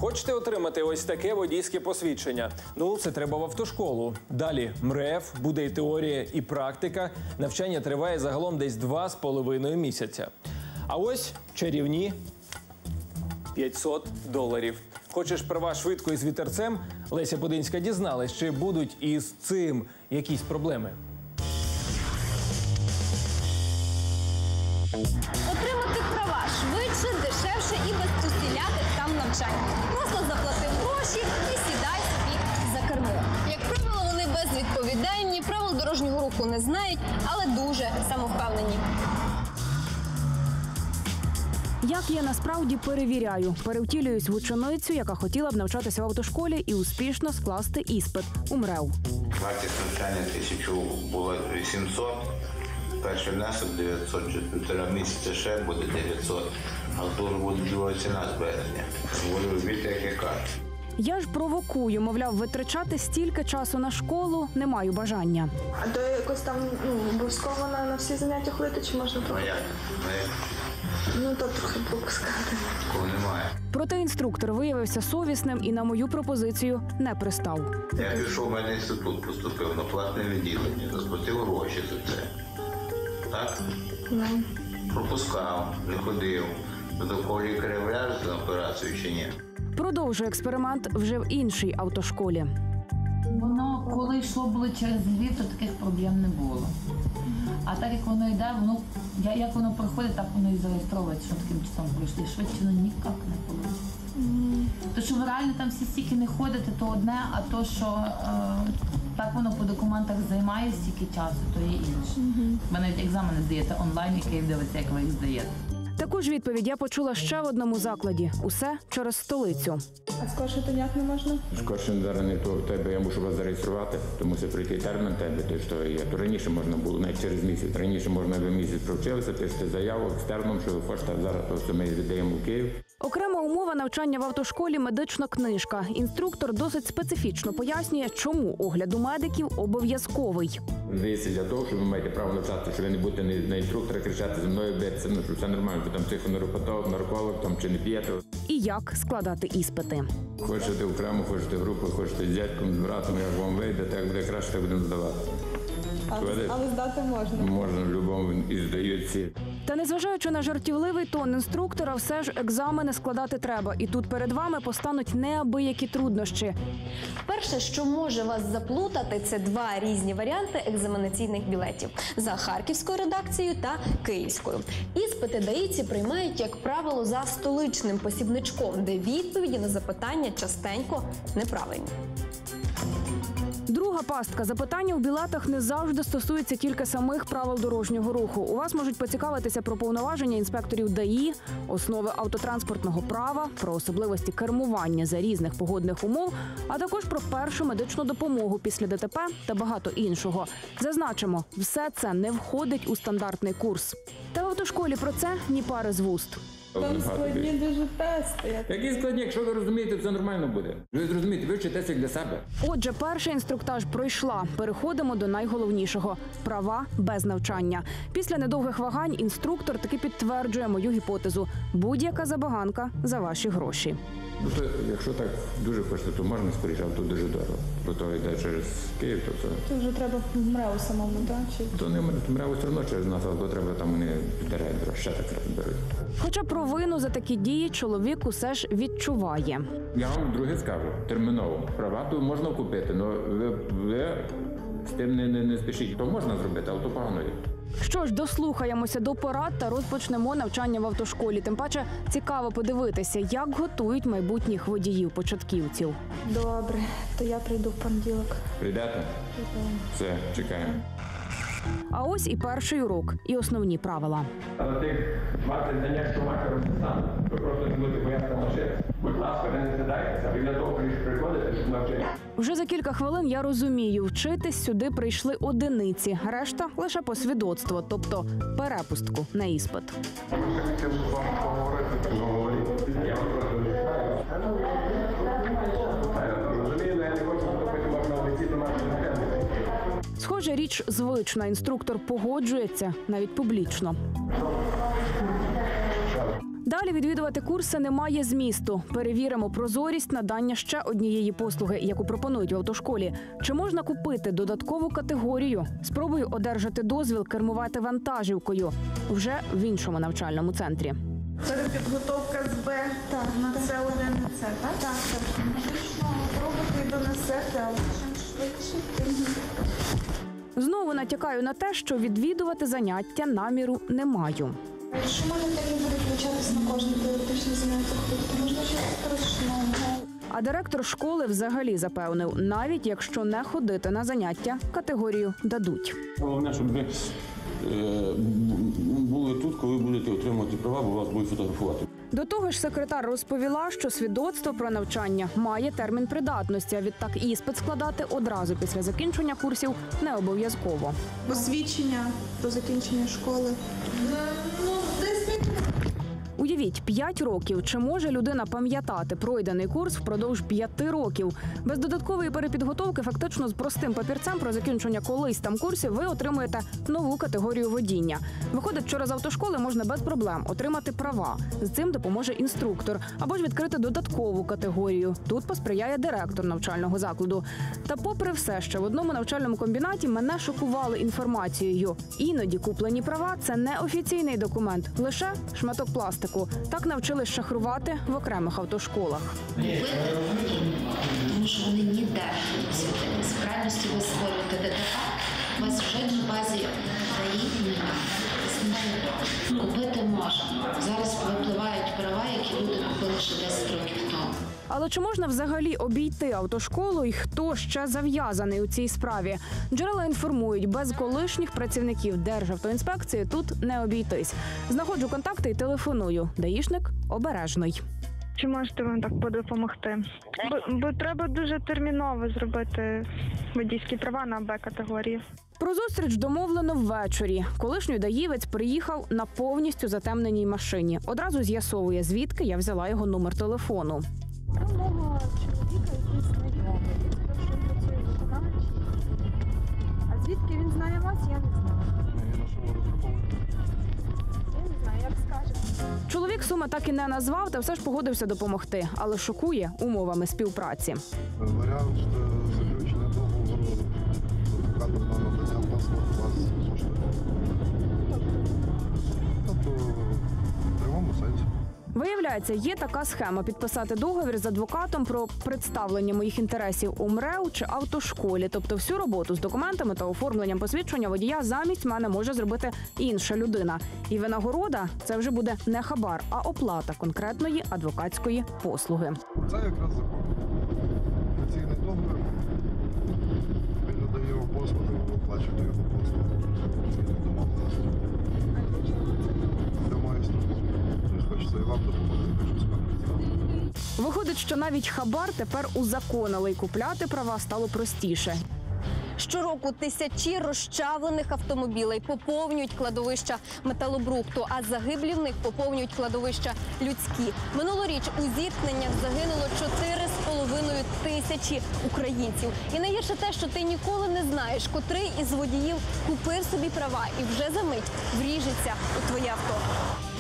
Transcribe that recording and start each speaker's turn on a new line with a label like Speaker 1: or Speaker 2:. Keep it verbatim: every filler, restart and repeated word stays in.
Speaker 1: Хочете отримати ось таке водійське посвідчення? Ну, це треба в автошколу. Далі МРЕФ, буде і теорія, і практика. Навчання триває загалом десь два з половиною місяця. А ось чарівні п'ятсот доларів. Хочеш права швидко і з вітерцем? Леся Подинська дізналась, чи будуть із цим якісь проблеми.
Speaker 2: Отримати права швидше, дешевше і без усіляких там навчань. Просто заплатив гроші і сідай собі за кермо. Як правило, вони безвідповідальні, правил дорожнього руху не знають, але дуже самовпевнені.
Speaker 3: Як я насправді перевіряю, перевтілююсь в ученицю, яка хотіла б навчатися в автошколі і успішно скласти іспит у МРЕВ.
Speaker 4: Вартість навчання тисячу було вісімсот, перший внесок дев'ятсот, через півтора місяця ще буде дев'ятсот, а тут буде друга ціна з березня. Буду робити, як я кажу.
Speaker 3: Я ж провокую, мовляв, витрачати стільки часу на школу не маю бажання.
Speaker 5: А то якось там ну, обов'язково на, на всі заняття ходити, чи можна
Speaker 4: Ну
Speaker 5: трохи?
Speaker 4: як? Ну як?
Speaker 5: Ну то трохи пропускати.
Speaker 4: Такого немає.
Speaker 3: Проте інструктор виявився совісним і на мою пропозицію не пристав.
Speaker 4: Я пішов в мене інститут, поступив на платне відділення, заплатив гроші за це. Так?
Speaker 5: Ну.
Speaker 4: Пропускав, не ходив. До такого лікаря вляжуть на операцію чи ні?
Speaker 3: Продовжую експеримент вже в іншій автошколі.
Speaker 6: Воно, коли йшло було через Львів, то таких проблем не було. А так як воно йде, воно, як воно проходить, так воно і зареєстровується, що таким часом пройшли. Швидше воно ніяк не вийде. Mm. То, що ви реально там всі стільки не ходите, то одне, а то, що е, так воно по документах займає стільки часу, то є інше. Mm-hmm. Ви навіть екзамени здаєте онлайн, який дивиться, як ви їх здаєте.
Speaker 3: Таку ж відповідь я почула ще в одному закладі. Усе через столицю.
Speaker 5: А скорше то ніяк не можна?
Speaker 7: Скорше зараз не то в тебе, я мушу вас зареєструвати, то мусить прийти термін тебе, ти що є. То раніше можна було, навіть через місяць. Раніше можна ви місяць провчилися, пишете заяву екстерном, що ви хочете, зараз просто ми віддаємо в Київ.
Speaker 3: Окрема умова навчання в автошколі – медична книжка. Інструктор досить специфічно пояснює, чому огляд у медиків обов'язковий.
Speaker 7: Здається, для того, що ви маєте право навчати, що ви не будете на інструктора кричати, зі мною битися, ну, що все нормально, ви там психоневропатолог, нарколог, там, чи не п'єте.
Speaker 3: І як складати іспити.
Speaker 7: Хочете окремо, хочете групу, хочете з дядьком, з братом, як вам вийде, так буде краще, так будемо здавати.
Speaker 5: Але, але здати можна.
Speaker 7: Можна, в будь-якому і здають всі.
Speaker 3: Та незважаючи на жартівливий тон інструктора, все ж екзамени складати треба. І тут перед вами постануть неабиякі труднощі.
Speaker 2: Перше, що може вас заплутати, це два різні варіанти екзаменаційних білетів – за харківською редакцією та київською. Іспити даївці приймають, як правило, за столичним посібничком, де відповіді на запитання частенько неправильні.
Speaker 3: Друга пастка. Запитання у білетах не завжди стосуються тільки самих правил дорожнього руху. У вас можуть поцікавитися про повноваження інспекторів ДАІ, основи автотранспортного права, про особливості кермування за різних погодних умов, а також про першу медичну допомогу після ДТП та багато іншого. Зазначимо, все це не входить у стандартний курс. Та в автошколі про це ні пари з вуст.
Speaker 5: Там складні дуже тести.
Speaker 7: Які складні, якщо ви розумієте, все нормально буде. Ви зрозумієте, ви вчитеся для себе.
Speaker 3: Отже, перший інструктаж пройшла. Переходимо до найголовнішого – права без навчання. Після недовгих вагань інструктор таки підтверджує мою гіпотезу. Будь-яка забаганка за ваші гроші.
Speaker 7: Тобто, якщо так дуже хочете, то можна скоріше, а тут дуже дорого. Бо то йде через Київ, то це...
Speaker 5: Це вже треба в МРЕВ самому, так? Чи...
Speaker 7: То не мряво все одно через нас, але то треба там вони підтерять, ще так беруть.
Speaker 3: Хоча провину за такі дії чоловік усе ж відчуває.
Speaker 7: Я вам друге скажу, терміново. Права то можна купити, але ви, ви з тим не, не, не спішіть. То можна зробити, але то погано є.
Speaker 3: Що ж, дослухаємося до порад та розпочнемо навчання в автошколі. Тим паче цікаво подивитися, як готують майбутніх водіїв-початківців.
Speaker 5: Добре, то я прийду в понеділок.
Speaker 7: Прийдете? Все, чекаємо.
Speaker 3: А ось і перший урок, і основні правила.
Speaker 8: Але тих двадцять занять, що маєте розписати, ви просто не будете боятися машини. Будь ласка, не сідайтеся, ви для того приходите, щоб навчити.
Speaker 3: Вже за кілька хвилин я розумію, вчитись сюди прийшли одиниці, решта – лише по свідоцтво, тобто перепустку на іспит.
Speaker 8: Я хотів вам поговорити, так говорити. Я вас просто не чекаю. Розумію, я не хочу вступити вас на офіційну нашу тему.
Speaker 3: Схоже, річ звична. Інструктор погоджується навіть публічно. Далі відвідувати курси немає змісту. Перевіримо прозорість надання ще однієї послуги, яку пропонують в автошколі. Чи можна купити додаткову категорію? Спробую одержати дозвіл кермувати вантажівкою вже в іншому навчальному центрі.
Speaker 5: Перепідготовка з Б на С один і С, так? Так, так. Фактично пробувати донесете, але чим швидше, тим.
Speaker 3: Знову натякаю на те, що відвідувати заняття наміру не маю.
Speaker 5: Якщо мене так не буде включатись на кожне теоретичне заняття, то можна щось страшного.
Speaker 3: А директор школи взагалі запевнив, навіть якщо не ходити на заняття, категорію дадуть.
Speaker 9: Головне, щоб ви е, були тут, коли будете отримувати права, бо вас будуть фотографувати.
Speaker 3: До того ж, секретар розповіла, що свідоцтво про навчання має термін придатності, а відтак іспит складати одразу після закінчення курсів не обов'язково.
Speaker 5: Посвідчення до закінчення школи. Ну, десь
Speaker 3: Уявіть, п'ять років. Чи може людина пам'ятати пройдений курс впродовж п'яти років? Без додаткової перепідготовки, фактично з простим папірцем про закінчення колись там курсів, ви отримуєте нову категорію водіння. Виходить, що з автошколи можна без проблем отримати права. З цим допоможе інструктор. Або ж відкрити додаткову категорію. Тут посприяє директор навчального закладу. Та попри все, ще в одному навчальному комбінаті мене шокували інформацією. Іноді куплені права – це не офіційний документ, лише шматок пластику. Так навчились шахрувати в окремих автошколах.
Speaker 10: Тому що вони ніде не світились. В крайності ви створюєте ДТП, у вас вже на базі ДАІ немає. Купити можна. Зараз випливають права, які люди купили ще десять років тому.
Speaker 3: Але чи можна взагалі обійти автошколу і хто ще зав'язаний у цій справі? Джерела інформують, без колишніх працівників Державтоінспекції тут не обійтись. Знаходжу контакти і телефоную. Даїшник обережний.
Speaker 5: Чи можете вам так допомогти? Бо, бо треба дуже терміново зробити водійські права на Б-категорії.
Speaker 3: Про зустріч домовлено ввечері. Колишній даївець приїхав на повністю затемненій машині. Одразу з'ясовує, звідки я взяла його номер телефону.
Speaker 5: Це мого чоловіка, який знайомий. Він працює виконавчий. А звідки він знає вас, я не знаю. Я не знаю, як скажете.
Speaker 3: Чоловік суми так і не назвав, та все ж погодився допомогти. Але шокує умовами співпраці.
Speaker 11: Варіант заключення договору адвокатом на надання послуг вас коштує. Тобто в прямому сенсі.
Speaker 3: Виявляється, є така схема – підписати договір з адвокатом про представлення моїх інтересів у МРЕУ чи автошколі. Тобто всю роботу з документами та оформленням посвідчення водія замість мене може зробити інша людина. І винагорода – це вже буде не хабар, а оплата конкретної адвокатської послуги.
Speaker 11: Це якраз закон. Офіційний договір. Він надає його послуги, ви оплачуєте його послуги. Офіційний домовленості. Для моєї структури. Хочеться і вам допомогти, хочу сказати.
Speaker 3: Виходить, що навіть хабар тепер узаконили, і купляти права стало простіше.
Speaker 2: Щороку тисячі розчавлених автомобілей поповнюють кладовища металобрухту, а загиблі в них поповнюють кладовища людські. Минулоріч у зіткненнях загинуло чотири з половиною тисячі українців. І найгірше те, що ти ніколи не знаєш, котрий із водіїв купив собі права і вже за мить вріжеться у твоє авто.